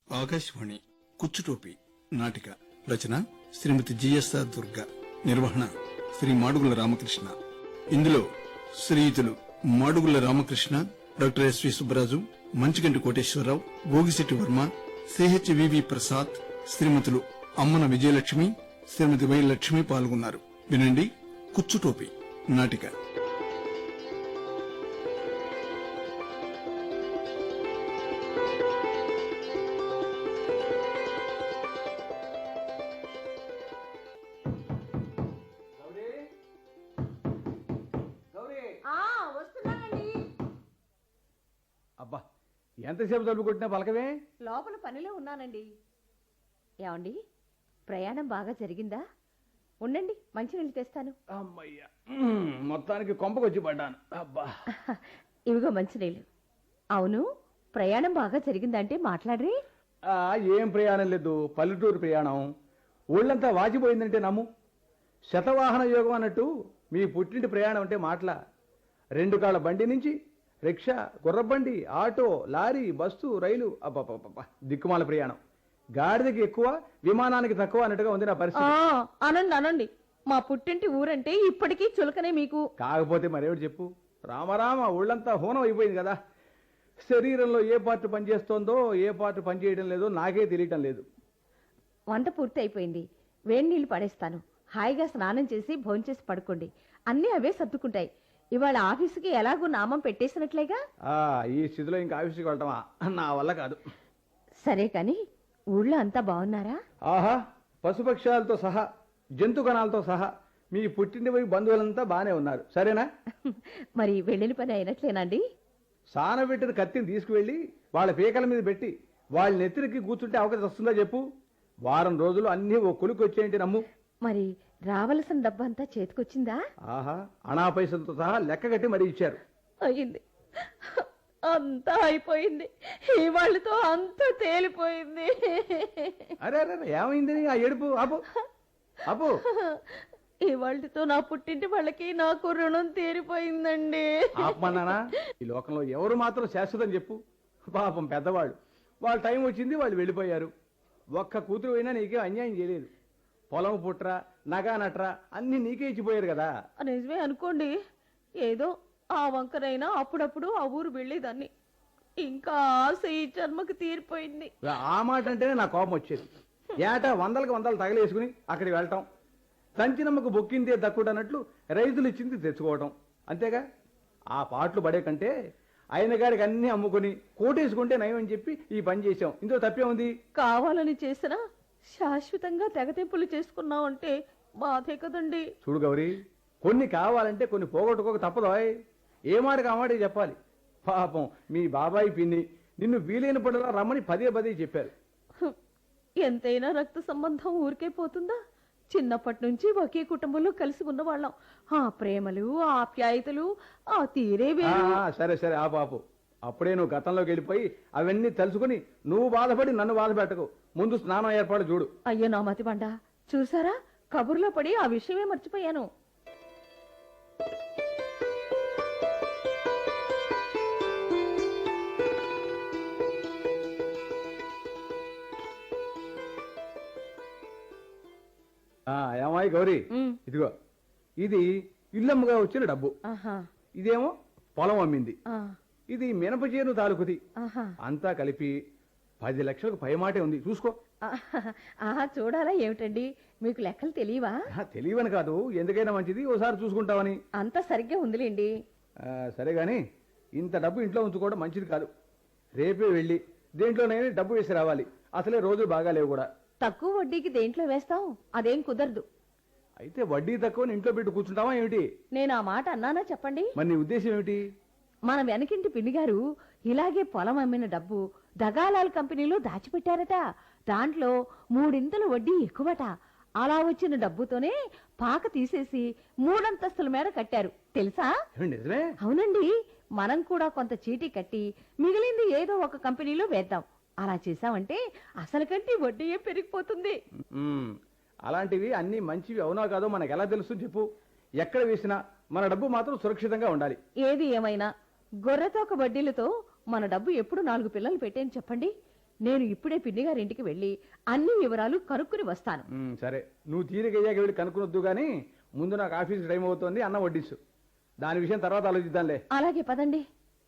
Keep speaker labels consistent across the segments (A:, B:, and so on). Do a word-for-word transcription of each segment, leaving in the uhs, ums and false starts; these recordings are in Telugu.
A: ఆకాశవాణి కుచ్చుటోపి నాటిక రచన శ్రీమతి జిఎస్ఆర్ దుర్గా, నిర్వహణ శ్రీ మాడుగుల రామకృష్ణ. ఇందులో శ్రీయుతులు Madugula Ramakrishna, doctor SV Subbaraju, Manchiganti Koteswararao, Bhogisetti Varma, CHVV Prasad, శ్రీమతులు అమ్మన విజయలక్ష్మి, శ్రీమతి వై లక్ష్మి పాల్గొన్నారు. వినండి కుచ్చుటోపి నాటిక.
B: అబ్బా, ఎంతసేపు తలుపు కొట్టినా పలకవే?
C: లోపల పనిలో ఉన్నానండి. ఏమండి, ప్రయాణం బాగా జరిగిందా? ఉండండి, మంచినీళ్ళు తెస్తాను.
B: అమ్మయ్యా, మొత్తానికి కొంపకొచ్చి పడ్డాను. అబ్బా,
C: ఇవిగో మంచినీళ్ళు. అవును, ప్రయాణం బాగా జరిగిందంటే మాట్లాడరే?
B: ఆ, ఏం ప్రయాణం లేదు, పల్లెటూరు ప్రయాణం. ఊళ్ళంతా వాచిపోయిందంటే నమ్ము. శతవాహన యోగం అన్నట్టు మీ పుట్టింటి ప్రయాణం అంటే మాటలా. రెండు కాళ్ళ బండి నుంచి రిక్షా, గుర్రబండి, ఆటో, లారీ, బస్సు, రైలు, అబ్బా దిక్కుమాల ప్రయాణం. గాడిదకి ఎక్కువ, విమానానికి తక్కువ అన్నట్టుగా ఉంది నా పరిస్థితి.
C: అనండి అనండి, మా పుట్టింటి ఊరంటే ఇప్పటికీ చులకనే మీకు.
B: కాకపోతే మరేమిటి చెప్పు, రామరామ ఊళ్ళంతా హోనం అయిపోయింది కదా. శరీరంలో ఏ పార్ట్ పనిచేస్తోందో, ఏ పార్ట్ పనిచేయడం లేదో నాకే తెలియటం లేదు.
C: వంట పూర్తి అయిపోయింది, వేడి నీళ్లు పడేస్తాను. హాయిగా స్నానం చేసి భోంచేసి పడుకోండి, అన్నీ అవే సర్దుకుంటాయి. ఇవాళ ఆఫీసుకి ఎలాగూ నామం పెట్టేసినట్లేగా.
B: ఈ స్థితిలో ఇంకా ఆఫీసుకి వెళ్ళటమా, నా వల్ల కాదు.
C: సరే కాని ఊళ్ళో అంతా బాగున్నారా?
B: ఆహా, పశుపక్షాలతో సహా, జంతుగణాలతో సహా మీ పుట్టింటి పోయి బంధువులంతా బానే ఉన్నారు. సరేనా?
C: మరి వెళ్ళిన పని అయినట్లేనండి?
B: సానబెట్టిన కత్తిని తీసుకువెళ్ళి వాళ్ళ పీకల మీద పెట్టి వాళ్ళ నెత్తిరికి కూర్చుంటే అవకాశం వస్తుందా చెప్పు? వారం రోజులు అన్ని ఓ కొలుకు వచ్చేయండి నమ్ము.
C: మరి రావలసిన డబ్బంతా చేతికొచ్చిందా?
B: ఆహా, అనా పైసలతో సహా లెక్క కట్టి మరీ ఇచ్చారు.
C: అయింది, అంతా అయిపోయింది. ఈ వాళ్ళతో అంతా తేలిపోయింది.
B: అరే అరే, ఏమైంది ఆ ఏడుపు? ఆపు ఆపు.
C: ఈ వాళ్ళతో నా పుట్టింటి వాళ్ళకి నాకు రుణం తీరిపోయిందండి.
B: ఆపమన్నానా? ఈ లోకంలో ఎవరు మాత్రం శాశ్వతం చెప్పు? పాపం పెద్దవాళ్ళు, వాళ్ళ టైం వచ్చింది, వాళ్ళు వెళ్ళిపోయారు. ఒక్క కూతురు అయినా నీకే అన్యాయం చేయలేదు. పొలం పుట్రా, నగా నట్రా అన్ని నీకే ఇచ్చిపోయారు కదా.
C: నిజమే అనుకోండి, ఏదో ఆ వంకరైనా అప్పుడప్పుడు ఆ ఊరు వెళ్ళేదాన్ని. ఇంకా ఆశ ఈ జన్మకు తీరిపోయింది.
B: ఆ మాట అంటేనే నా కోపం వచ్చేది. ఏటా వందలకు వందలు తగలేసుకుని అక్కడికి వెళ్ళటం, తంచినమ్మకు బొక్కిందే దక్కుడన్నట్లు రైతులు ఇచ్చింది తెచ్చుకోవటం, అంతేగా. ఆ పాటలు పడే కంటే ఆయన గారికి అన్ని అమ్ముకుని కోటేసుకుంటే నయం అని చెప్పి ఈ పని చేశాం. ఇందులో తప్పే ఉంది?
C: కావాలని చేసినా శాశ్వతంగా తెగతెంపులు చేసుకున్నావంటే బాధే కదండి.
B: చూడు గౌరీ, కొన్ని కావాలంటే కొన్ని పోగొట్టుకోక తప్పదోయ్. ఏ మాట కామాటే చెప్పాలి. పాపం మీ బాబాయి పిన్ని నిన్ను వీలైన పడలా రమ్మని పదే పదే చెప్పారు.
C: ఎంతైనా రక్త సంబంధం ఊరికే పోతుందా? చిన్నప్పటి నుంచి ఒకే కుటుంబంలో కలిసి ఉన్నవాళ్ళం. ఆ ప్రేమలు, ఆ ఆప్యాయతలు, ఆ తీరే వేరు.
B: సరే సరే ఆ పాపు, అప్పుడే నువ్వు గతంలోకి వెళ్ళిపోయి అవన్నీ తెలుసుకుని నువ్వు బాధపడి నన్ను బాధ పెట్టకు. ముందు స్నానం ఏర్పాటు చూడు.
C: అయ్యో నా మతి బండ, చూసారా, కబుర్లో పడి ఆ విషయమే మర్చిపోయాను.
B: ఏమాయి గౌరీ, ఇదిగో ఇది ఇల్లమ్మగా వచ్చిన డబ్బు. ఇదేమో పొలం అమ్మింది. ఇది మినప చేను తాలూకుది. అంతా కలిపి పది లక్షలకు పైమాటే ఉంది, చూసుకో.
C: ఆహా, చూడాలా ఏమిటండి, మీకు లెక్కలు తెలియవా?
B: తెలియవని కాదు, ఎందుకైనా మంచిది ఓసారి చూసుకుంటావని.
C: అంతా సరిగ్గా ఉందిలేండి.
B: సరే గాని ఇంత డబ్బు ఇంట్లో ఉంచుకోవడం మంచిది కాదు. రేపే వెళ్ళి దేంట్లోనైనా డబ్బు వేసి రావాలి. అసలే రోజులు బాగా లేవు కూడా.
C: తక్కువ వడ్డీకి దేంట్లో వేస్తాం? అదేం కుదరదు.
B: అయితే వడ్డీ తక్కువ ఇంట్లో పెట్టి కూర్చుంటావా ఏమిటి?
C: నేను ఆ మాట అన్నానా చెప్పండి?
B: మరి నీ ఉద్దేశం ఏమిటి?
C: మన వెనకింటి పిన్ని గారు ఇలాగే పొలం అమ్మిన డబ్బు దగాలాల్ కంపెనీలో దాచిపెట్టారట. దాంట్లో మూడింతలు వడ్డీ ఎక్కువట. అలా వచ్చిన డబ్బుతోనే పాక తీసేసి మూడంతస్తుల మేర కట్టారు, తెలుసా?
B: నిజమే?
C: అవునండి. మనం కూడా కొంత చీటీ కట్టి మిగిలింది ఏదో ఒక కంపెనీలో వేద్దాం. అలా చేసామంటే అసలు కంటే వడ్డీయే పెరిగిపోతుంది.
B: అలాంటివి అన్ని మంచివి అవునా కాదో మనకు ఎలా తెలుసు చెప్పు? ఎక్కడ వేసినా మన డబ్బు మాత్రం సురక్షితంగా ఉండాలి.
C: ఏది ఏమైనా గొర్రెతోక వడ్డీలతో మన డబ్బు ఎప్పుడు నాలుగు పిల్లలు పెట్టేని చెప్పండి. నేను ఇప్పుడే పిన్ని గారి ఇంటికి వెళ్ళి అన్ని వివరాలు కనుక్కుని వస్తాను.
B: ఉమ్, సరే నువ్వు తీరికయ్యాక వెళ్ళి కనుక్కునొద్దు కానీ ముందు నాకు ఆఫీస్ టైం అవుతోంది, అన్నం వడ్డించు. దాని విషయం తర్వాత ఆలోచిద్దాంలే.
C: అలాగే పదండి.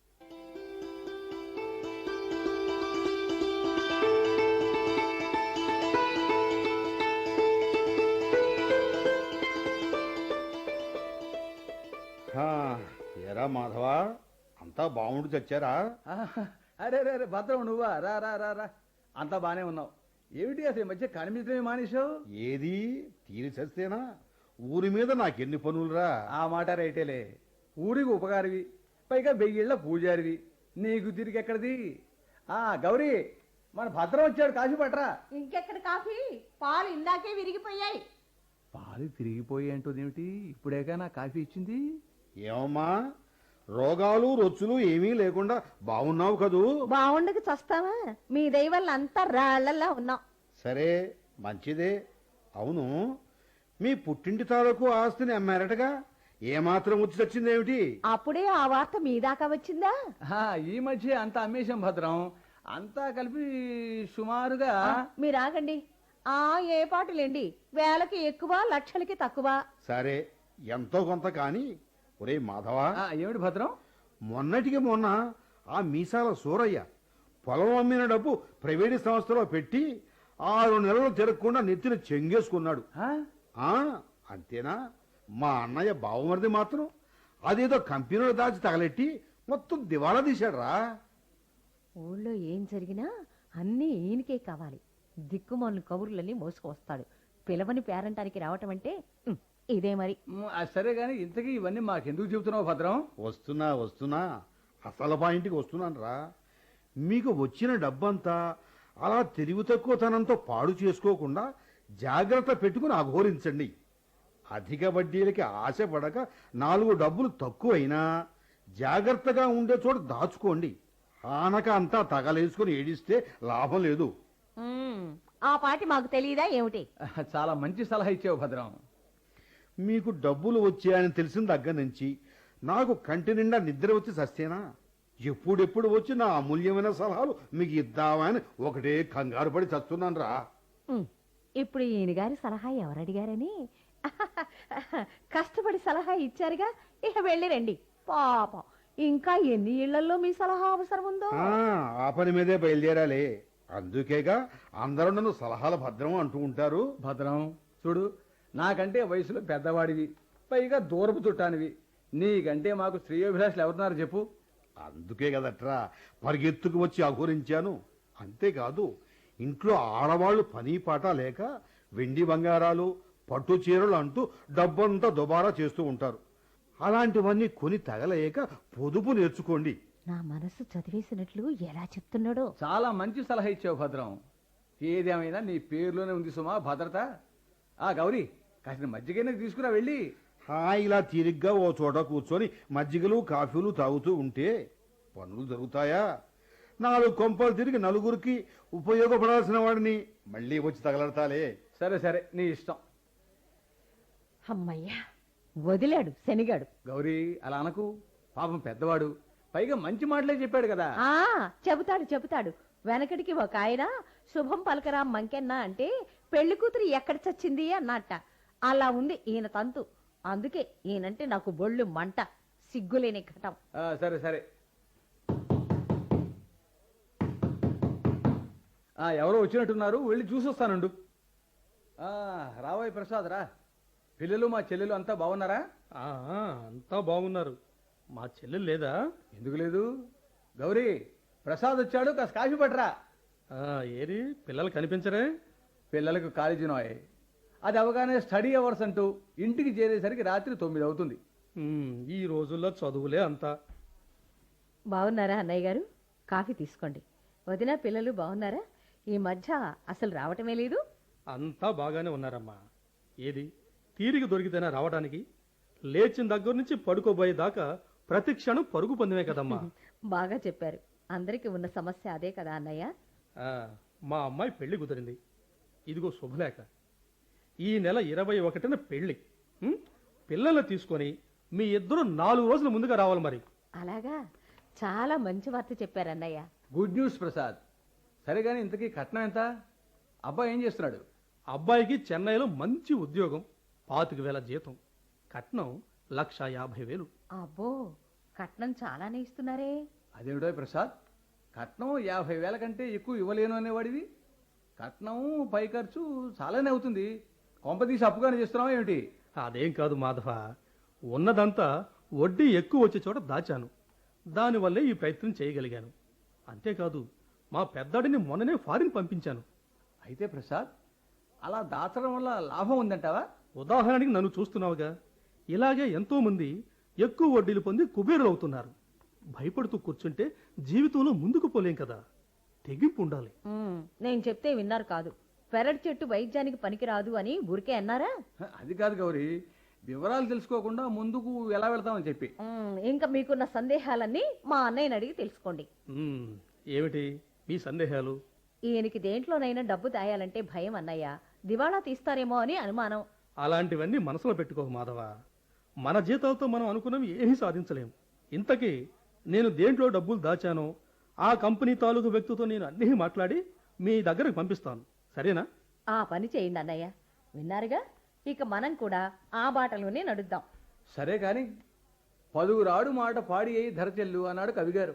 D: ఎరా మాధవా, అంతా బాగుండి చచ్చారా?
B: ఆహా, అరే అరే అరే భద్రం నువ్వా? రా రా రా రా అంతా బానే ఉన్నావు. ఏమిటి అసలు ఈ మధ్య కనిపించడమే మానేశావు?
D: ఏది తీరి చస్తేనా? ఊరి మీద నాకెన్ని పనులురా.
B: ఆ మాట రైటేలే. ఊరికి ఉపకారివి, పైగా వెయ్యిళ్ళ పూజారివి, నీకు తిరిగి ఎక్కడిది? ఆ గౌరీ, మన భద్రం వచ్చాడు, కాఫీ పట్రా.
C: ఇంకెక్కడ కాఫీ? పాలు ఇందాకే విరిగిపోయాయి.
B: పాలు తిరిగిపోయి అంటుంది, ఇప్పుడేగా నా కాఫీ ఇచ్చింది.
D: ఏమమ్మా, రోగాలు రొచ్చులు ఏమీ లేకుండా బాగున్నావు కదూ?
C: బాగుండక చస్తావా? మీ దయ వల్ల అంతా రాళ్లలా ఉన్నాం.
D: సరే, మంచిదే. అవును, మీ పుట్టింటి తాలూకు ఆస్తిని అమ్మారటగా, ఏమాత్రం వచ్చి చచ్చిందేమిటి?
C: అప్పుడే ఆ వార్త మీ దాకా వచ్చిందా?
B: ఆ, ఈ మధ్య అంతా అమ్మేశాం భద్రం. అంతా కలిపి సుమారుగా
C: మీరు ఆగండి. ఆ ఏ పాటలేండి, వేలకి ఎక్కువ లక్షలకి తక్కువ.
D: సరే, ఎంతో కొంత కాని. ఒరే మాధవా,
B: ఆ, ఏమిటి భద్రం?
D: మొన్నటికి మొన్న ఆ మీసాల సూరయ్య పొలం అమ్మిన డబ్బు ప్రైవేటు సంస్థలో పెట్టి ఆరు నెలలు తిరగకుండా నెత్తిన చెంగేసుకున్నాడు.
B: ఆ?
D: ఆ అంతేనా? మా అన్నయ్య బావమరిది మాత్రం అదేదో కంపెనీలో దాచి తగలెట్టి మొత్తం దివాళా తీశాడురా.
C: ఊళ్ళో ఏం జరిగినా అన్నీ ఈయనకే కావాలి. దిక్కుమాలిన కబుర్లన్నీ మోసుకొస్తాడు. పిలవని పేరంటానికి రావటం అంటే ఉమ్, ఇదే మరి.
B: మ్, ఆ, సరే గాని ఇంతకీ ఇవన్నీ మాకెందుకు చెబుతున్నావు భద్రం?
D: వస్తున్నా వస్తున్నా అసలు పాయింట్కి వస్తున్నాను రా. మీకు వచ్చిన డబ్బంతా అలా తెలివి తక్కువతనంతో పాడు చేసుకోకుండా జాగ్రత్త పెట్టుకుని అఘోరించండి. అధిక వడ్డీలకి ఆశపడక నాలుగు డబ్బులు తక్కువైనా జాగ్రత్తగా ఉండే చోట దాచుకోండి. ఆనక అంతా తగలేసుకుని ఏడిస్తే లాభం లేదు.
C: ఉమ్, ఆ పాటి మాకు తెలియదా ఏమిటి?
B: చాలా మంచి సలహా ఇచ్చావు భద్రం.
D: మీకు డబ్బులు వచ్చాయని తెలిసిన దగ్గర నుంచి నాకు కంటి నిండా నిద్ర వచ్చి సస్తేనా? ఎప్పుడెప్పుడు వచ్చి నా అమూల్యమైన సలహాలు మీకు ఇద్దామని ఒకటే కంగారు పడి చస్తున్నాను రా.
C: ఉమ్, ఇప్పుడు ఈయన గారి సలహా ఎవరడిగారని కష్టపడి సలహా ఇచ్చారుగా, ఇక వెళ్ళి రండి. పాపం ఇంకా ఎన్ని ఇళ్లలో మీ సలహా అవసరం ఉందో.
D: ఆ, ఆ పని మీదే బయలుదేరాలే. అందుకేగా అందరూ నన్ను సలహాల భద్రం అంటూ ఉంటారు.
B: భద్రం చూడు, నాకంటే వయసులో పెద్దవాడివి, పైగా దూరపు చుట్టానివి. నీకంటే మాకు శ్రేయోభిలాషులు ఎవరున్నారు చెప్పు?
D: అందుకే కదట్రా పరిగెత్తుకు వచ్చి అఘోరించాను. అంతేకాదు, ఇంట్లో ఆడవాళ్లు పని పాట లేక వెండి బంగారాలు పట్టు చీరలు అంటూ డబ్బంతా దుబారా చేస్తూ ఉంటారు. అలాంటివన్నీ కొని తగలేక పొదుపు నేర్చుకోండి.
C: నా మనసు చదివేసినట్లు ఎలా చెప్తున్నాడో.
B: చాలా మంచి సలహా ఇచ్చావు భద్రం. ఏదేమైనా నీ పేరులోనే ఉంది సుమా భద్రత. ఆ గౌరీ, కాసిన మజ్జిగైనా తీసుకురా వెళ్ళి.
D: హాయిలా తీరిగ్గా ఓ చోట కూర్చొని మజ్జిగలు కాఫీలు తాగుతూ ఉంటే పనులు జరుగుతాయా? నాలుగు కొంపలు తిరిగి నలుగురికి ఉపయోగపడాల్సిన వాడిని మళ్ళీ వచ్చి తగలడతాలే.
B: సరే సరే, నీ ఇష్టం.
C: అమ్మయ్యా, వదిలాడు శనిగాడు.
B: గౌరీ, అలా అనకు. పాపం పెద్దవాడు, పైగా మంచి మాటలే చెప్పాడు కదా.
C: ఆ చెబుతాడు చెబుతాడు. వెనకటికి ఒక ఆయన శుభం పలకరా మంకెన్న అంటే పెళ్లి కూతురు ఎక్కడ చచ్చింది అన్నట్ట. అలా ఉంది ఈయన తంతు. అందుకే ఈయనంటే నాకు బొళ్ళు మంట, సిగ్గులేని ఘటం.
B: ఆ, సరే సరే. ఆ, ఎవరో వచ్చినట్టున్నారు, వెళ్ళి చూసొస్తానుండు. ఆ, రావోయ్ ప్రసాద్ రా. పిల్లలు మా చెల్లెలు అంతా బాగున్నారా?
E: ఆ, అంతా బాగున్నారు. మా చెల్లెలు లేదా?
B: ఎందుకు లేదు? గౌరీ, ప్రసాద్ వచ్చాడు, కాస్త కాఫీ పట్టరా.
E: ఆ, ఏరి పిల్లలు కనిపించరే?
B: పిల్లలకు కాలేజీ నోయ్. అది అవగానే స్టడీ అవర్స్ అంటూ ఇంటికి చేరేసరికి రాత్రి తొమ్మిది అవుతుంది.
E: ఉమ్, ఈ రోజుల్లో చదువులే అంతా.
C: బాగున్నారా అన్నయ్య గారు? కాఫీ తీసుకోండి. వదిన పిల్లలు బాగున్నారా? ఈ మధ్య అసలు రావటమే లేదు.
E: అంతా బాగానే ఉన్నారమ్మా. ఏది తీరిక దొరికితేనా రావడానికి? లేచిన దగ్గర నుంచి పడుకోబోయే దాకా ప్రతి క్షణం పరుగు పొందిమే కదమ్మా.
C: బాగా చెప్పారు. అందరికీ ఉన్న సమస్య అదే కదా అన్నయ్య.
E: ఆ, మా అమ్మాయి పెళ్లి కుదిరింది. ఇదిగో శుభలేఖ. ఈ నెల ఇరవై ఒకటిన పెళ్లి. ఉమ్, పిల్లల్ని తీసుకొని మీ ఇద్దరు నాలుగు రోజుల ముందుగా రావాలి మరి.
C: అలాగా, చాలా మంచి వార్త చెప్పారు అన్నయ్య.
B: Good news Prasad. సరే కానీ ఇంతకీ కట్నం ఎంత? అబ్బాయి ఏం చేస్తున్నాడు?
E: అబ్బాయికి చెన్నైలో మంచి ఉద్యోగం, పాతిక వేల జీతం, కట్నం లక్ష యాభై వేలు.
C: అబ్బో, కట్నం చాలానే ఇస్తున్నారే.
B: అదేమిటో ప్రసాద్, కట్నం యాభై వేల కంటే ఎక్కువ ఇవ్వలేను అనేవాడివి. కట్నం పై ఖర్చు చాలానే అవుతుంది. కొంపదీసి అప్పుగానే చేస్తున్నావా ఏమిటి?
E: అదేం కాదు మాధవ, ఉన్నదంతా వడ్డీ ఎక్కువ వచ్చే చోట దాచాను. దానివల్లే ఈ ప్రయత్నం చేయగలిగాను. అంతేకాదు, మా పెద్దాడిని మొన్ననే ఫారిన్ పంపించాను.
B: అయితే ప్రసాద్, అలా దాచడం వల్ల లాభం ఉందంటావా?
E: ఉదాహరణకి నన్ను చూస్తున్నావుగా, ఇలాగే ఎంతో మంది ఎక్కువ వడ్డీలు పొంది కుబేరులు అవుతున్నారు. భయపడుతూ కూర్చుంటే జీవితంలో ముందుకు పోలేం కదా, తెగింపు ఉండాలి.
C: ఉమ్, నేను చెప్తే విన్నారు కాదు. పెరటి చెట్టు వైద్యానికి పనికిరాదు అని ఊరికే అన్నారా?
B: అది కాదు గౌరీ, వివరాలు తెలుసుకోకుండా ముందుకు ఎలా వెళ్తామని చెప్పి.
C: ఉమ్, ఇంకా మీకున్న సందేహాలన్నీ మా అన్నయ్యని అడిగి తెలుసుకోండి.
E: ఉమ్, ఏమిటి మీ సందేహాలు?
C: ఈయనకి దేంట్లోనైనా డబ్బు దాయాలంటే భయం అన్నయ్య. దివాళా తీస్తారేమో అని అనుమానం.
E: అలాంటివన్నీ మనసులో పెట్టుకోకు మాధవ. మన జీతాలతో మనం అనుకున్నవి ఏమీ సాధించలేం. ఇంతకీ నేను దేంట్లో డబ్బులు దాచానో ఆ కంపెనీ తాలూకు వ్యక్తితో నేను అన్నీ మాట్లాడి మీ దగ్గరకు పంపిస్తాను, సరేనా?
C: ఆ పని చేయండి అన్నయ్య. విన్నారుగా, ఇక మనం కూడా ఆ బాటలోనే నడుద్దాం.
B: సరే కాని పలువురాడు మాట పాడి అయి ధరచెల్లు అన్నాడు కవిగారు.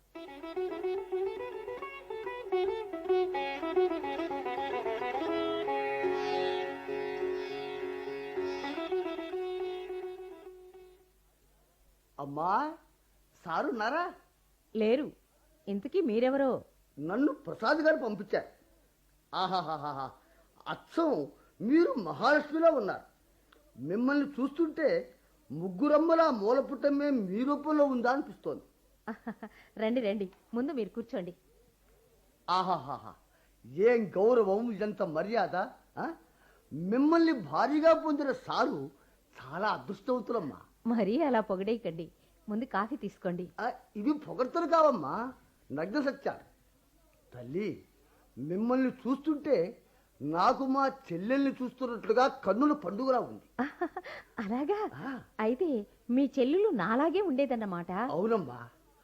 F: అమ్మా, సారున్నారా?
C: లేరు. ఇంతకీ మీరెవరో?
F: నన్ను ప్రసాద్ గారు పంపించారు. ఆహాహాహా, అచ్చం మీరు మహాలక్ష్మిలో ఉన్నారు. మిమ్మల్ని చూస్తుంటే ముగ్గురమ్మల మూలపుటమే మీ రూపంలో ఉందా అనిపిస్తోంది.
C: రండి రండి, ముందు మీరు కూర్చోండి.
F: ఆహాహాహా, ఏం గౌరవం, ఇదంత మర్యాద! ఆ? మిమ్మల్ని భారీగా పొందిన సారు చాలా అదృష్టవంతులమ్మా.
C: మరీ అలా పొగడేయకండి. ముందు కాఫీ తీసుకోండి.
F: ఆ, ఇవి పొగడ్తలు కావమ్మా, నగ్న సత్యాలు. తల్లి, మిమ్మల్ని చూస్తుంటే నాకు మా చెల్లెల్ని చూస్తున్నట్లుగా కన్నుల పండుగలా ఉంది.
C: అలాగా?
F: ఆ.
C: అయితే మీ చెల్లెలు నాలాగే ఉండేదన్నమాట.
F: అవునమ్మా.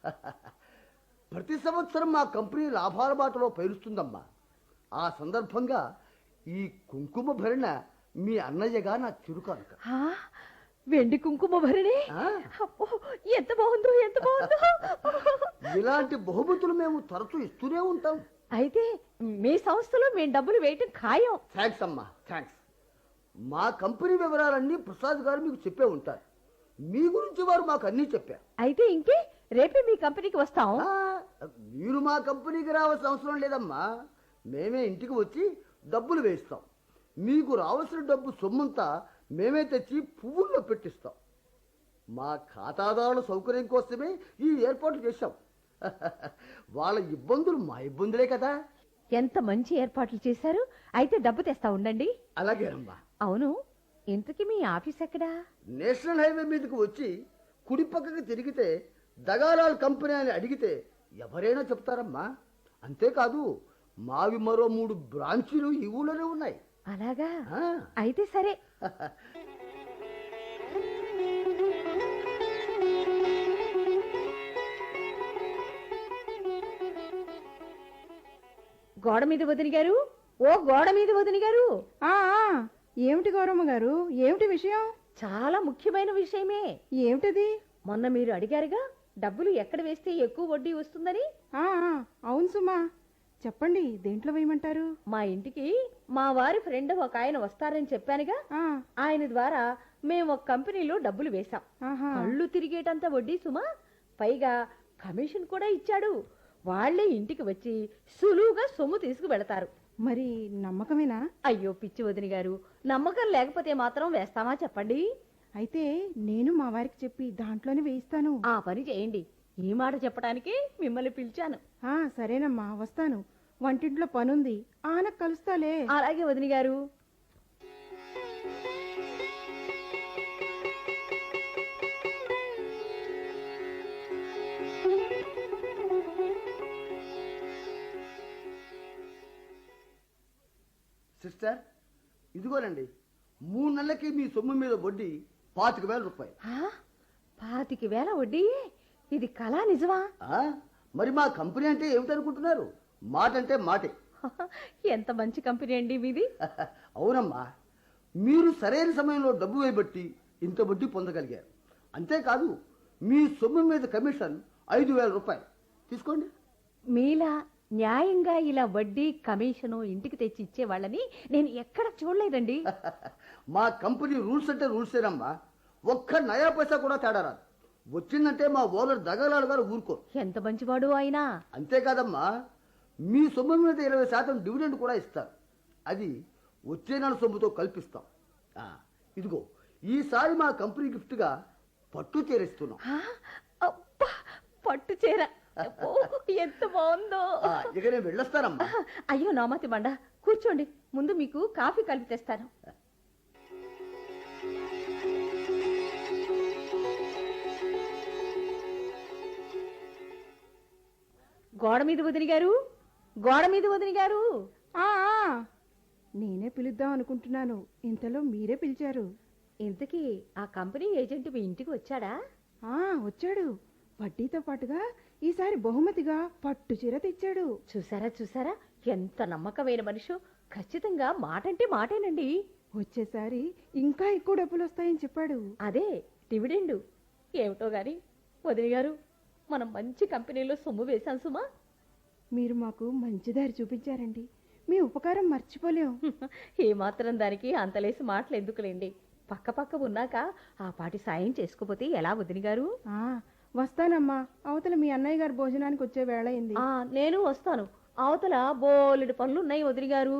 F: ప్రతి సంవత్సరం మా కంపెనీ లాభాల బాటలో పైరుస్తుందమ్మా. ఆ సందర్భంగా ఈ కుంకుమ భరణ మీ అన్నయ్యగా నా చిరుకానుక.
C: ఆ, వెండి కుంకుమ భరణి.
F: ఆ.
C: అబ్బో, ఎంత బాగుందో, ఎంత బాగుందో.
F: ఇలాంటి బహుమతులు మేము తరచూ ఇస్తూనే ఉంటాం.
C: అయితే మీ సంస్థలో మేము డబ్బులు వేయటం ఖాయం.
F: థ్యాంక్స్ అమ్మా, థ్యాంక్స్. మా కంపెనీ వివరాలన్నీ ప్రసాద్ గారు మీకు చెప్పే ఉంటారు. మీ గురించి వారు మాకు అన్నీ చెప్పారు.
C: అయితే ఇంకే, రేపే మీ కంపెనీకి వస్తాం.
F: ఆ, మీరు మా కంపెనీకి రావాల్సిన అవసరం లేదమ్మా. మేమే ఇంటికి వచ్చి డబ్బులు వేయిస్తాం. మీకు రావాల్సిన డబ్బు సొమ్మంతా మేమే తెచ్చి పువ్వుల్లో పెట్టిస్తాం. మా ఖాతాదారుల సౌకర్యం కోసమే ఈ ఏర్పాట్లు చేశాం. వాళ్ళ ఇబ్బందులు మా ఇబ్బందులే కదా.
C: ఎంత మంచి ఏర్పాట్లు చేశారు. అయితే డబ్బు తెస్తా ఉండండి.
F: అలాగేనమ్మా.
C: అవును, ఇంతకీ మీ ఆఫీస్ ఎక్కడా?
F: నేషనల్ హైవే మీదకి వచ్చి కుడి పక్కకి తిరిగితే దగాలాల్ కంపెనీ అని అడిగితే ఎవరైనా చెప్తారమ్మా. అంతేకాదు, మావి మరో మూడు బ్రాంచీలు ఈ ఊళ్ళోనే ఉన్నాయి.
C: అలాగా?
F: ఆ.
C: అయితే సరే. గోడ మీద వదిన గారు, ఓ గోడ మీద వదిన గారు.
G: ఆ ఆ, ఏమిటి గౌరమ్మ గారు, ఏమిటి విషయం?
C: చాలా ముఖ్యమైన విషయమే.
G: ఏమిటది?
C: మొన్న మీరు అడిగారుగా, డబ్బులు ఎక్కడ వేస్తే ఎక్కువ వడ్డీ వస్తుందని.
G: ఆ ఆ, అవును సుమా, చెప్పండి, దేంట్లో వేయమంటారు?
C: మా ఇంటికి మా వారి ఫ్రెండ్ ఒక ఆయన వస్తారని చెప్పానుగా.
G: ఆ,
C: ఆయన ద్వారా మేము ఒక కంపెనీలో డబ్బులు వేశాం.
G: ఆహా.
C: కళ్ళు తిరిగేటంత వడ్డీ సుమా. పైగా కమిషన్ కూడా ఇచ్చాడు. వాళ్లే ఇంటికి వచ్చి సులువుగా సొమ్ము తీసుకు వెళతారు.
G: మరి నమ్మకమేనా?
C: అయ్యో పిచ్చి వదిన గారు, నమ్మకం లేకపోతే మాత్రం వేస్తామా చెప్పండి.
G: అయితే నేను మా వారికి చెప్పి దాంట్లోనే వేయిస్తాను.
C: ఆ పని చేయండి. ఈ మాట చెప్పడానికి మిమ్మల్ని పిలిచాను.
G: ఆ, సరేనమ్మా, వస్తాను. వంటింట్లో పనుంది, ఆన కలుస్తాలే.
C: అలాగే వదిన గారు.
F: సిస్టర్, ఇదిగోనండి, మూడు నెలలకి మీ సొమ్ము మీద వడ్డీ పాతిక వేల రూపాయలు.
C: ఆ, పాతిక వేల వడ్డీ? ఇది కళా నిజమా?
F: ఆ, మరి మా కంపెనీ అంటే ఏమిటనుకుంటున్నారు? మాట అంటే మాటే.
C: ఎంత మంచి కంపెనీ అండి మీది.
F: అవునమ్మా, మీరు సరైన సమయంలో డబ్బు వేయబట్టి ఇంత వడ్డీ పొందగలిగారు. అంతేకాదు మీ సొమ్ము మీద కమిషన్ ఐదు వేల రూపాయలు తీసుకోండి.
C: మీలా న్యాయంగా ఇలా వడ్డీ కమిషను ఇంటికి తెచ్చి ఇచ్చే వాళ్ళని నేను ఎక్కడ చూడలేదండి.
F: మా కంపెనీ రూల్స్ అంటే రూల్సేనమ్మా. ఒక్క నయా పైసా కూడా తేడా రాదు. వచ్చిందంటే మా ఓనర్ దగలాడు గారు ఊరుకో.
C: ఎంత మంచివాడు ఆయన.
F: అంతేకాదమ్మా, మీ సొమ్ము మీద ఇరవై శాతం డివిడెండ్ కూడా ఇస్తారు. అది వచ్చే నెల సొమ్ముతో కల్పిస్తాం. ఆ, ఇదిగో ఈసారి మా కంపెనీ గిఫ్ట్గా పట్టు చేరిస్తున్నాం.
C: ఆ, అబ్బా, పట్టు చీర. ఓ, ఎంత బాగుందో.
F: ఆ, ఇక నేను వెళ్ళొస్తానమ్మా.
C: అయ్యో నామతి బండ, కూర్చోండి, ముందు మీకు కాఫీ కలిపి తెస్తాను. గోడ మీద వదిని గారు, గోడ మీద వదిని గారు.
G: ఆ ఆ, నేనే పిలుద్దాం అనుకుంటున్నాను, ఇంతలో మీరే పిలిచారు.
C: ఇంతకీ ఆ కంపెనీ ఏజెంట్ మీ ఇంటికి వచ్చాడా?
G: ఆ వచ్చాడు. వడ్డీతో పాటుగా ఈసారి బహుమతిగా పట్టు చీర తెచ్చాడు.
C: చూసారా చూసారా, ఎంత నమ్మకమైన మనిషి. ఖచ్చితంగా మాటంటే మాటేనండి.
G: వచ్చేసారి ఇంకా ఎక్కువ డబ్బులు వస్తాయని చెప్పాడు.
C: అదే డివిడెండు. ఏమిటో గాని వదిన గారు, మనం మంచి కంపెనీలో సొమ్ము వేశాం సుమా.
G: మీరు మాకు మంచి దారి చూపించారండి, మీ ఉపకారం మర్చిపోలేం.
C: ఏ మాత్రం దానికి అంతలేసి మాటలు ఎందుకులేండి. పక్క పక్క ఉన్నాక ఆ పాటి సాయం చేసుకోపోతే ఎలా వదిన గారు?
G: ఆ వస్తానమ్మా, అవతల మీ అన్నయ్య గారు భోజనానికి వచ్చే వేళ అయింది.
C: ఆ నేను వస్తాను. అవతల బోలెడు పనులు ఉన్నాయి వదిన గారు.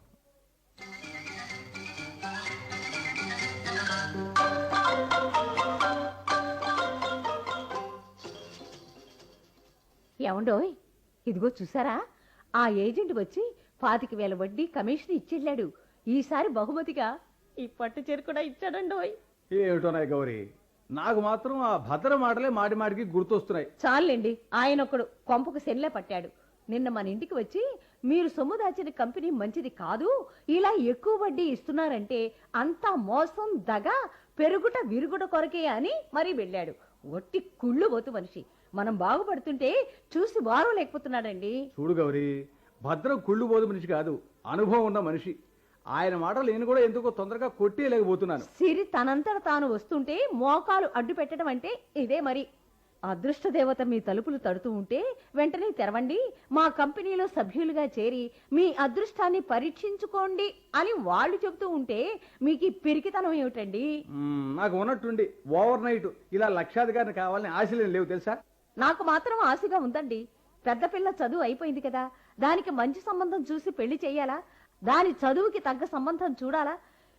C: ఏమండోయ్, ఇదిగో చూసారా, ఆ ఏజెంట్ వచ్చి పాతిక వేల వడ్డీ కమిషన్ ఇచ్చెళ్ళాడు. ఈసారి బహుమతిగా ఈ పట్టు చీర కూడా ఇచ్చాడండోయ్.
B: ఏమిటోనాయి గౌరీ, నాకు మాత్రం ఆ భద్ర మాటలే మాటి మాటికి గుర్తొస్తున్నాయి.
C: చాలండి, ఆయన ఒకడు కొంపకు సెల్లే పట్టాడు. నిన్న మన ఇంటికి వచ్చి మీరు సొమ్ము దాచిన కంపెనీ మంచిది కాదు, ఇలా ఎక్కువ వడ్డీ ఇస్తున్నారంటే అంతా మోసం, దగ, పెరుగుట విరుగుట కొరకే అని మరీ వెళ్ళాడు. ఒట్టి కుళ్ళు పోతు మనిషి. మనం బాగుపడుతుంటే చూసి వారం లేకపోతున్నాడండి.
B: చూడు గౌరీ, భద్రం కుళ్ళు బోధు మనిషి కాదు, అనుభవం ఉన్న మనిషి. ఆయన మాటలు నేను కూడా ఎందుకో తొందరగా కొట్టేయలేకపోతున్నాను.
C: సిరి తనంతట తాను వస్తుంటే మోకాలు అడ్డు పెట్టడం అంటే ఇదే మరి. అదృష్ట దేవత మీ తలుపులు తడుతూ ఉంటే వెంటనే తెరవండి, మా కంపెనీలో సభ్యులుగా చేరి మీ అదృష్టాన్ని పరీక్షించుకోండి అని వాళ్ళు చెబుతూ ఉంటే మీకు ఈ పిరికితనం ఏమిటండి?
B: మ్మ్, నాకు ఉన్నట్టుండి ఓవర్ నైట్ ఇలా లక్షాధికారిని కావాలని ఆశలేం లేవు తెలుసా.
C: నాకు మాత్రం ఆశగా ఉందండి. పెద్ద పిల్ల చదువు అయిపోయింది కదా, దానికి మంచి సంబంధం చూసి పెళ్లి చెయ్యాలా? దాని చదువుకి తగ్గ సంబంధం చూడాలా?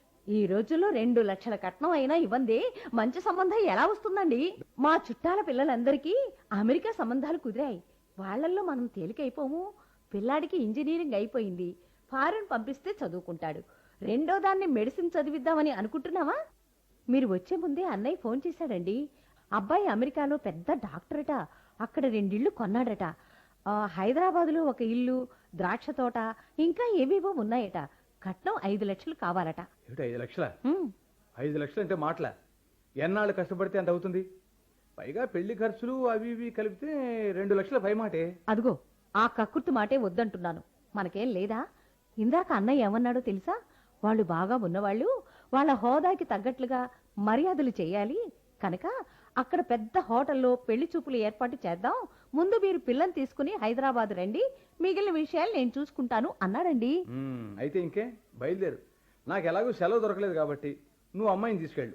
C: ఈ రోజుల్లో రెండు లక్షల కట్నం అయినా ఇవ్వందే మంచి సంబంధం ఎలా వస్తుందండి? మా చుట్టాల పిల్లలందరికీ అమెరికా సంబంధాలు కుదిరాయి. వాళ్ళల్లో మనం తేలికైపోము. పిల్లాడికి ఇంజనీరింగ్ అయిపోయింది, ఫారెన్ పంపిస్తే చదువుకుంటాడు. రెండో దాన్ని మెడిసిన్ చదివిద్దామని అనుకుంటున్నావా? మీరు వచ్చే ముందే అన్నయ్య ఫోన్ చేశాడండి. అబ్బాయి అమెరికాలో పెద్ద డాక్టరట, అక్కడ రెండిళ్ళు కొన్నాడట. హైదరాబాదులో ఒక ఇల్లు, ద్రాక్ష తోట, ఇంకా ఏవేవో ఉన్నాయట. కట్నం ఐదు లక్షలు కావాలట.
B: ఏమిటి ఐదు లక్షల?
C: ఉమ్,
B: ఐదు లక్షలు అంటే మాటల? ఎన్నాళ్ళు కష్టపడితే అంత అవుతుంది? పైగా పెళ్లి ఖర్చులు అవి ఇవి కలిపితే రెండు లక్షల పై మాటే.
C: అదిగో ఆ కక్కుర్తి మాటే వద్దంటున్నాను. మనకేం లేదా? ఇందాక అన్నయ్య ఏమన్నాడో తెలుసా? వాళ్ళు బాగా ఉన్నవాళ్ళు వాళ్ళ హోదాకి తగ్గట్లుగా మర్యాదలు చేయాలి కనుక అక్కడ పెద్ద హోటల్లో పెళ్లి చూపులు ఏర్పాటు చేద్దాం. ముందు మీరు పిల్లని తీసుకుని హైదరాబాద్ రండి, మిగిలిన విషయాలు నేను చూసుకుంటాను అన్నాడండి.
B: మ్మ్, అయితే ఇంకే బయలుదేరు. నాకు ఎలాగో సెలవు దొరకలేదు కాబట్టి నువ్వు అమ్మాయిని తీసుకెళ్ళు.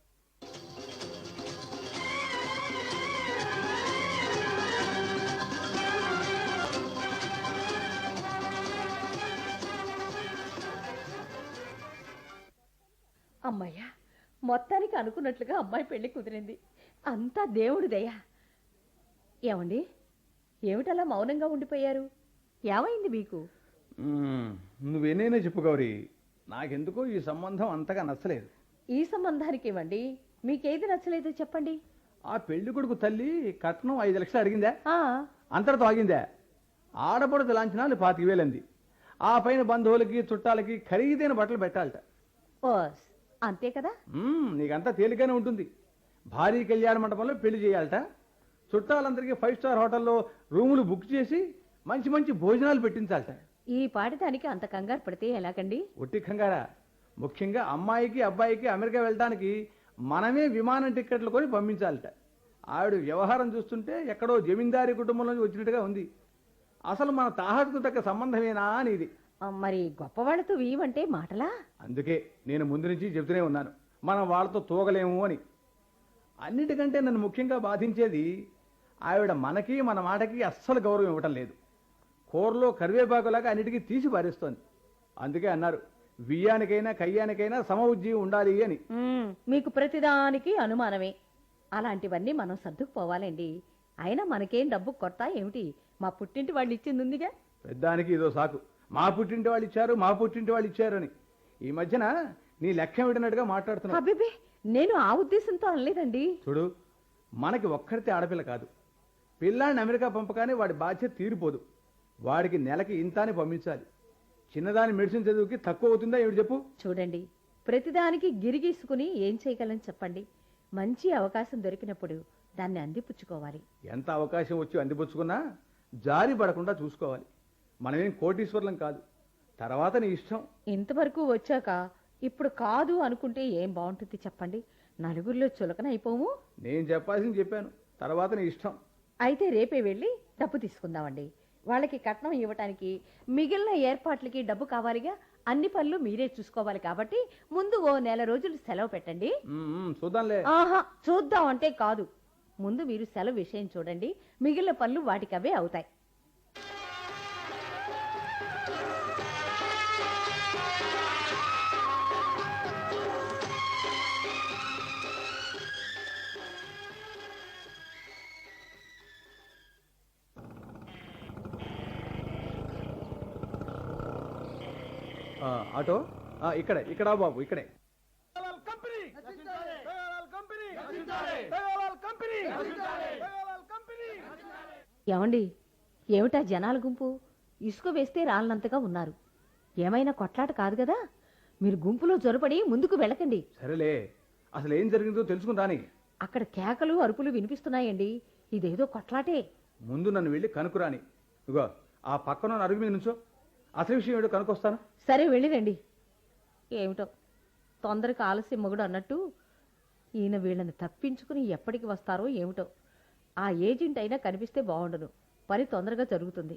C: అమ్మయ్యా, మొత్తానికి అనుకున్నట్లుగా అమ్మాయి పెళ్లి కుదిరింది. అంతా దేవుడి దయ. ఏమండి, ఏమిటలా మౌనంగా ఉండిపోయారు? ఏమైంది మీకు?
B: మ్మ్, నువ్వేనైనా చెప్పు గౌరీ, నాకెందుకో ఈ సంబంధం అంతగా నచ్చలేదు.
C: ఈ సంబంధానికి ఏమండి, మీకేది నచ్చలేదో చెప్పండి.
B: ఆ పెళ్లి కొడుకు తల్లి కట్నం ఐదు లక్షలు అడిగిందా,
C: ఆ
B: అంతటితో ఆగిందా? ఆడపడుతు లాంఛనాలు పాతిక వేలంది. ఆ పైన బంధువులకి చుట్టాలకి ఖరీదైన బట్టలు పెట్టాలట.
C: ఓస్, అంతే కదా.
B: మ్మ్, నీకంతా తేలికనే ఉంటుంది. భారీ కళ్యాణ మండపంలో పెళ్లి చేయాలట. చుట్టాలందరికీ ఫైవ్ స్టార్ హోటల్లో రూములు బుక్ చేసి మంచి మంచి భోజనాలు పెట్టించాలట.
C: ఈ పాటి దానికి అంత కంగారు పడితే ఎలాగండి?
B: ఒట్టి కంగారా? ముఖ్యంగా అమ్మాయికి అబ్బాయికి అమెరికా వెళ్ళడానికి మనమే విమానం టిక్కెట్లు కొని పంపించాలట. ఆవిడ వ్యవహారం చూస్తుంటే ఎక్కడో జమీందారీ కుటుంబం నుంచి వచ్చినట్టుగా ఉంది. అసలు మన తాహతుకు తగ్గ సంబంధమేనా అని ఇది.
C: ఆ, మరి గొప్పవాళ్లతో వీవంటే మాటలా?
B: అందుకే నేను ముందు నుంచి చెబుతూనే ఉన్నాను, మనం వాళ్ళతో తూగలేము అని. అన్నిటికంటే నన్ను ముఖ్యంగా బాధించేది ఆవిడ మనకి మన మాటకి అస్సలు గౌరవం ఇవ్వటం లేదు. కూరలో కరివేపాకులాగా అన్నిటికీ తీసి పారేస్తోంది. అందుకే అన్నారు, బియ్యానికైనా కయ్యానికైనా సమ ఉజ్జీవం ఉండాలి అని.
C: ఉమ్, మీకు ప్రతిదానికి అనుమానమే. అలాంటివన్నీ మనం సర్దుకుపోవాలండి. అయినా మనకేం డబ్బు కొత్త ఏమిటి? మా పుట్టింటి వాళ్ళు ఇచ్చింది ఉందిగా.
B: పెద్దానికి ఇదో సాకు, మా పుట్టింటి వాళ్ళు ఇచ్చారు మా పుట్టింటి వాళ్ళు ఇచ్చారు అని. ఈ మధ్యన నీ లెక్క విడినట్టుగా మాట్లాడుతున్నావు.
C: అబ్బిబే, నేను ఆ ఉద్దేశంతో అనలేదండి.
B: చూడు, మనకి ఒక్కరితే ఆడపిల్ల కాదు. పిల్లాడిని అమెరికా పంపగానే వాడి బాధ్యత తీరిపోదు. వాడికి నెలకి ఇంత అని పంపించాలి. చిన్నదాని మెడిసిన్ చదువుకి తక్కువ అవుతుందా ఏమిటి చెప్పు?
C: చూడండి, ప్రతిదానికి గిరిగీసుకుని ఏం చేయగలని చెప్పండి. మంచి అవకాశం దొరికినప్పుడు దాన్ని అందిపుచ్చుకోవాలి.
B: ఎంత అవకాశం వచ్చి అందిపుచ్చుకున్నా జారి పడకుండా చూసుకోవాలి. మనమేం కోటీశ్వర్లం కాదు. తర్వాత నీ ఇష్టం.
C: ఇంతవరకు వచ్చాక ఇప్పుడు కాదు అనుకుంటే ఏం బాగుంటుంది చెప్పండి? నలుగురిలో చులకన అయిపోము.
B: నేను చెప్పాల్సింది చెప్పాను, తర్వాత నీ ఇష్టం.
C: అయితే రేపే వెళ్ళి డబ్బు తీసుకుందామండి. వాళ్ళకి కట్నం ఇవ్వటానికి మిగిలిన ఏర్పాట్లకి డబ్బు కావాలిగా. అన్ని పనులు మీరే చూసుకోవాలి కాబట్టి ముందు ఓ నెల రోజులు సెలవు పెట్టండి.
B: ఉమ్, ఉమ్, చూద్దాంలే.
C: ఆహా, చూద్దాం అంటే కాదు. ముందు మీరు సెలవు విషయం చూడండి. మిగిలిన పనులు వాటికవే అవుతాయి.
B: ఆ, ఆటో ఆ, ఇక్కడే ఇక్కడ బాబు ఇక్కడే.
C: ఏమండి, ఏమిటా జనాల గుంపు? ఇసుక వేస్తే రాళ్ళంతగా ఉన్నారు. ఏమైనా కొట్లాట కాదు కదా. మీరు గుంపులో జొరపడి ముందుకు వెళ్ళకండి.
B: సరేలే, అసలు ఏం జరిగిందో తెలుసుకుని రాని.
C: అక్కడ కేకలు అరుపులు వినిపిస్తున్నాయండి. ఇదేదో కొట్లాటే.
B: ముందు నన్ను వెళ్ళి కనుకురాని. ఇగో ఆ పక్కన అరుగు మీద నుంచో, అసలు విషయం ఏమిటో కనుకొస్తాను.
C: సరే వెళ్ళిరండి. ఏమిటో తొందరగా ఆలస్యం మొగుడు అన్నట్టు ఈయన వీళ్ళని తప్పించుకుని ఎప్పటికి వస్తారో ఏమిటో. ఆ ఏజెంట్ అయినా కనిపిస్తే బాగుండను. పని తొందరగా జరుగుతుంది.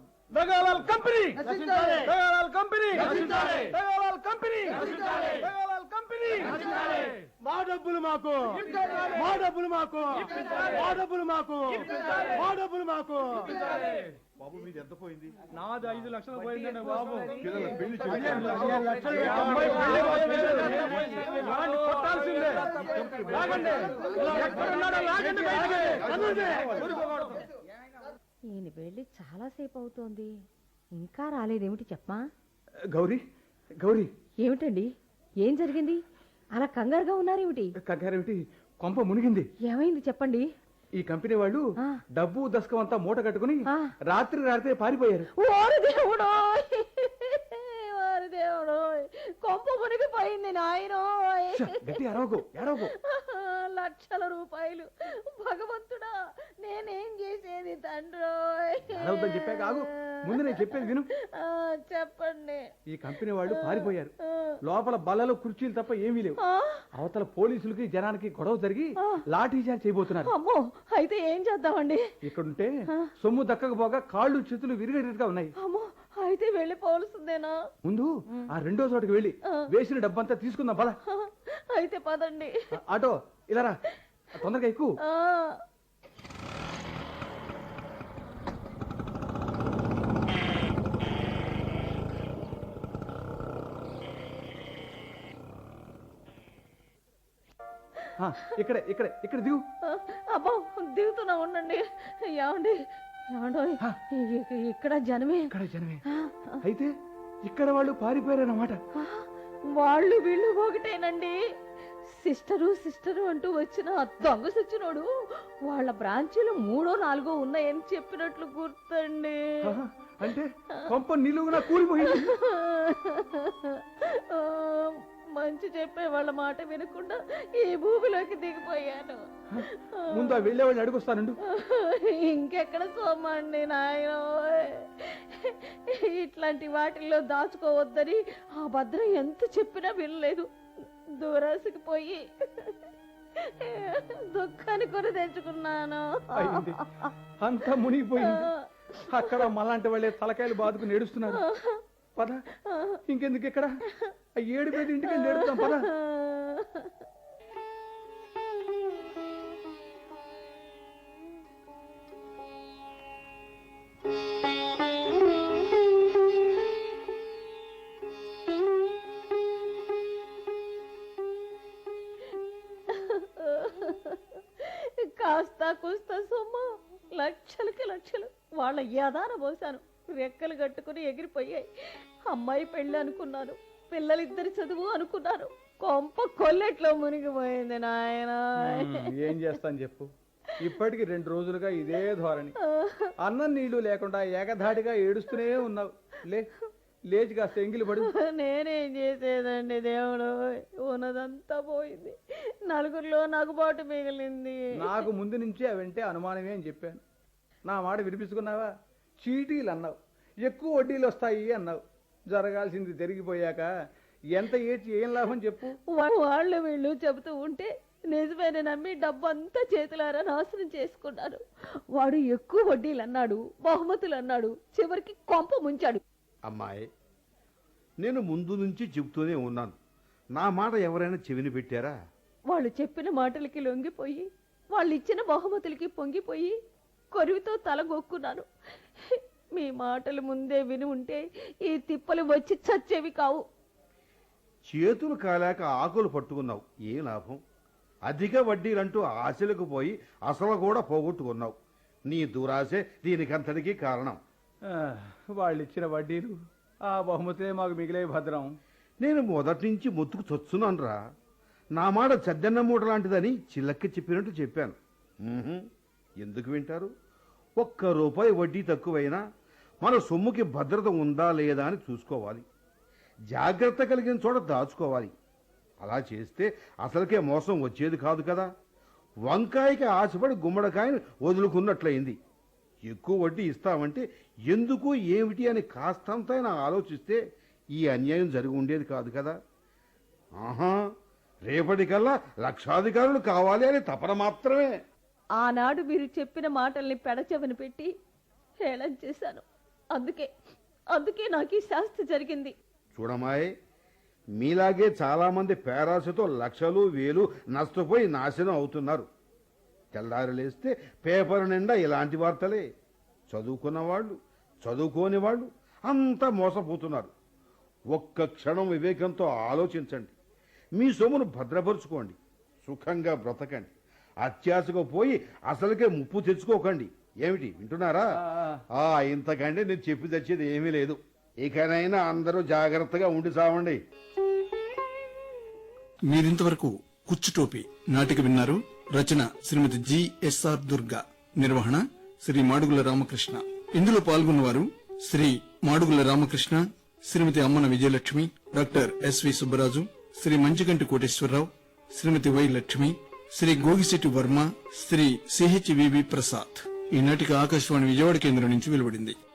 E: మా డబ్బులు మాకు, మా డబ్బులు మాకు, మా డబ్బులు మాకు, మా డబ్బులు మాకు.
D: బాబు మీది ఎంత పోయింది?
E: నాది ఐదు లక్షలు పోయిందండి బాబు.
D: పిల్లల పెళ్లి
E: కొట్టాల్సిందే. లాగండి. ఎక్కడున్నాడో లాగండి బయటికి.
C: ఈయన వెళ్ళి చాలాసేపు అవుతోంది, ఇంకా రాలేదేమిటి చెప్పమా?
B: గౌరీ గౌరీ
C: ఏమిటండి, ఏం జరిగింది? అలా కంగారుగా ఉన్నారేమిటి?
B: కగ్గారేమిటి? కొంప మునిగింది.
C: ఏమైంది చెప్పండి.
B: ఈ కంపెనీ వాళ్ళు
C: ఆ.
B: డబ్బు దశకం అంతా మూట కట్టుకుని
C: ఆ.
B: రాత్రి రాత్రి పారిపోయారు.
C: ఓరి దేవుడో, ఓరి దేవుడో, కొంప మునిగిపోయింది నాయనోయ్.
B: ఛ, గట్టి అరవకు అరవకు.
C: లక్షల రూపాయలు. భగవంతుడా, నేనేం చేసేది తండ్రోయ్.
B: అరవద్దని చెప్పాక ఆగు. ముందు నేను చెప్పేది విను.
C: ఆ, చెప్పండి.
B: ఈ కంపెనీ వాళ్ళు పారిపోయారు.
C: ఆ.
B: లోపల బల్లలు కుర్చీలు తప్ప ఏమీ లేవు.
C: ఆ,
B: అవతల పోలీసులకి జనానికి గొడవ జరిగి లాఠీ చార్జ్ చేయబోతున్నారు.
C: అమ్మో, అయితే ఏం చేద్దామండి?
B: ఇక్కడుంటే సొమ్ము దక్కకపోగా కాళ్ళు చేతులు విరిగేటట్టుగా ఉన్నాయి.
C: అమ్మో, అయితే వెళ్ళిపోవలసిందేనా?
B: ముందు ఆ రెండో చోటుకి వెళ్ళి వేసిన డబ్బంతా తీసుకుందాం పద.
C: అయితే పదండి.
B: ఆ, ఆటో ఇలా రా, తొందరగా ఎక్కువ.
C: ఆ,
B: ఇక్కడే ఇక్కడే ఇక్కడ దిగు.
C: అబ్బో, దిగుతున్నా ఉండండి. ఏమండి, ఏమండో, ఇక్కడ జనమే.
B: ఇక్కడ జనమే. అయితే ఇక్కడ వాళ్ళు పారిపోయారన్నమాట.
C: ఆ, వాళ్ళు వీళ్ళు ఒకటేనండి. సిస్టరు సిస్టరు అంటూ వచ్చిన ఆ దొంగ సచ్చినోడు వాళ్ళ బ్రాంచీలు మూడో నాలుగో ఉన్నాయని చెప్పినట్లు గుర్తండి.
B: ఆహా, అంటే కొంప నిలువునా కూలిపోయింది.
C: ఆ, మంచి చెప్పే వాళ్ళ మాట వినకుండా ఈ భూమిలోకి దిగిపోయాను.
B: ముందు ఆ వెళ్ళే వాళ్ళు అడుగుస్తానండు.
C: ఇంకెక్కడ సోమండి నాయన. ఇట్లాంటి వాటిల్లో దాచుకోవద్దని ఆ భద్రం ఎంత చెప్పినా వినలేదు. దూరాసికి పోయి దుఃఖాన్ని కొని తెచ్చుకున్నాను.
B: అయింది, అంతా మునిగిపోయింది. అక్కడ మళ్ళాంటి వాళ్ళే తలకాయలు బాదుకుని ఏడుస్తున్నారు. పద, ఇంకెందుకు ఇక్కడ ఆ ఏడు పేద ఇంటికి వెళ్ళి ఏడుస్తాం. పద.
C: కాస్త కూస్త సొమ్ము లక్షలకి లక్షలు వాళ్ళ యదాన పోసాను. రెక్కలు కట్టుకుని ఎగిరిపోయాయి. అమ్మాయి పెళ్ళి అనుకున్నాను, పిల్లలిద్దరి చదువు అనుకున్నాను. కొంప కొల్లెట్లో మునిగిపోయింది నాయన.
B: ఏం చేస్తాను చెప్పు, ఇప్పటికి రెండు రోజులుగా ఇదే ధోరణి. అన్నం నీళ్లు లేకుండా ఏకధాటిగా ఏడుస్తూనే ఉన్నావు. లే లేచి కాస్త ఎంగిలి పడు.
C: నేనేం చేసేదండి దేవుడు, ఉన్నదంతా పోయింది. నలుగురిలో నగుబాటు మిగిలింది.
B: నాకు ముందు నుంచి అవంటే అనుమానమే అని చెప్పాను. నా మాట వినిపించుకున్నావా? చీటీలు అన్నావు, ఎక్కువ వడ్డీలు వస్తాయి అన్నావు. జరగాల్సింది జరిగిపోయాక ఎంత ఏడ్చి ఏం లాభం చెప్పు.
C: వాళ్ళు వీళ్ళు చెబుతూ ఉంటే నిజమైన నమ్మి డబ్బంతా చేతులారా నాశనం చేసుకున్నాను. వాడు ఎక్కువ వడ్డీలు అన్నాడు, బహుమతులు అన్నాడు, చివరికి కొంప ముంచాడు.
D: అమ్మాయి, నేను ముందు నుంచి చెబుతూనే ఉన్నాను, నా మాట ఎవరైనా చెవిని పెట్టారా?
C: వాళ్ళు చెప్పిన మాటలకి లొంగిపోయి, వాళ్ళు ఇచ్చిన బహుమతులకి పొంగిపోయి కొరివితో తలగొక్కున్నాను. మీ మాటలు ముందే విని ఉంటే ఈ తిప్పలు వచ్చి చచ్చేవి కావు.
D: చేతులు కాలేక ఆకులు పట్టుకున్నావు, ఏ లాభం? అధిక వడ్డీలంటూ ఆశలకు పోయి అసలు కూడా పోగొట్టుకున్నావు. నీ దురాశే దీనికంతటికీ కారణం.
B: వాళ్ళు ఇచ్చిన వడ్డీలు, ఆ బహుమతే మాకు మిగిలే భద్రం.
D: నేను మొదటి నుంచి మొత్తుకు చొచ్చున్నాను రా. నా మాట చద్దన్న మూట లాంటిదని చిల్లక్కి చెప్పినట్టు చెప్పాను. ఉహుం, ఎందుకు వింటారు? ఒక్క రూపాయి వడ్డీ తక్కువైనా మన సొమ్ముకి భద్రత ఉందా లేదా అని చూసుకోవాలి. జాగ్రత్త కలిగిన చోట దాచుకోవాలి. అలా చేస్తే అసలుకే మోసం వచ్చేది కాదు కదా. వంకాయకి ఆశపడి గుమ్మడికాయని వదులుకున్నట్లయింది. ఎక్కువ వడ్డీ ఇస్తామంటే ఎందుకు ఏమిటి అని కాస్తంతైనా ఆలోచిస్తే ఈ అన్యాయం జరిగి ఉండేది కాదు కదా. ఆహా, రేపటికల్లా లక్షాధికారులు కావాలి అని తపన మాత్రమే.
C: ఆనాడు మీరు చెప్పిన మాటల్ని పెడచెవిన పెట్టి హేళన చేశాను. అందుకే అందుకే నాకు ఈ శాస్తి జరిగింది.
D: చూడమాయ్, మీలాగే చాలా మంది పేరాశతో లక్షలు వేలు నష్టపోయి నాశనం అవుతున్నారు. తెల్లారి లేస్తే పేపర్ నిండా ఇలాంటి వార్తలే. చదువుకున్న వాళ్ళు, చదువుకోని వాళ్ళు అంతా మోసపోతున్నారు. ఒక్క క్షణం వివేకంతో ఆలోచించండి. మీ సొమ్మును భద్రపరుచుకోండి, సుఖంగా బ్రతకండి. అత్యాశకు పోయి అసలుకే ముప్పు తెచ్చుకోకండి. ఏమిటి వింటున్నారా? ఆ ఇంతకంటే నేను చెప్పి తెచ్చేది ఏమీ లేదు. ఇకనైనా అందరూ జాగ్రత్తగా ఉండి సావండి.
A: మీరింతవరకు కుచ్చుటోపి నాటిక విన్నారు. రచన శ్రీమతి జిఎస్ఆర్ దుర్గా, నిర్వహణ శ్రీ మాడుగుల రామకృష్ణ. ఇందులో పాల్గొన్నవారు Shri Madugula Ramakrishna, Shrimati Ammana Vijayalakshmi, doctor SV Subbaraju, Shri Manchiganti Koteswararao, Shrimati Y Lakshmi, Shri Gogisetti Varma, Shri C H V V Prasad. ఈ నాటిక ఆకాశవాణి విజయవాడ కేంద్రం నుంచి వెలువడింది.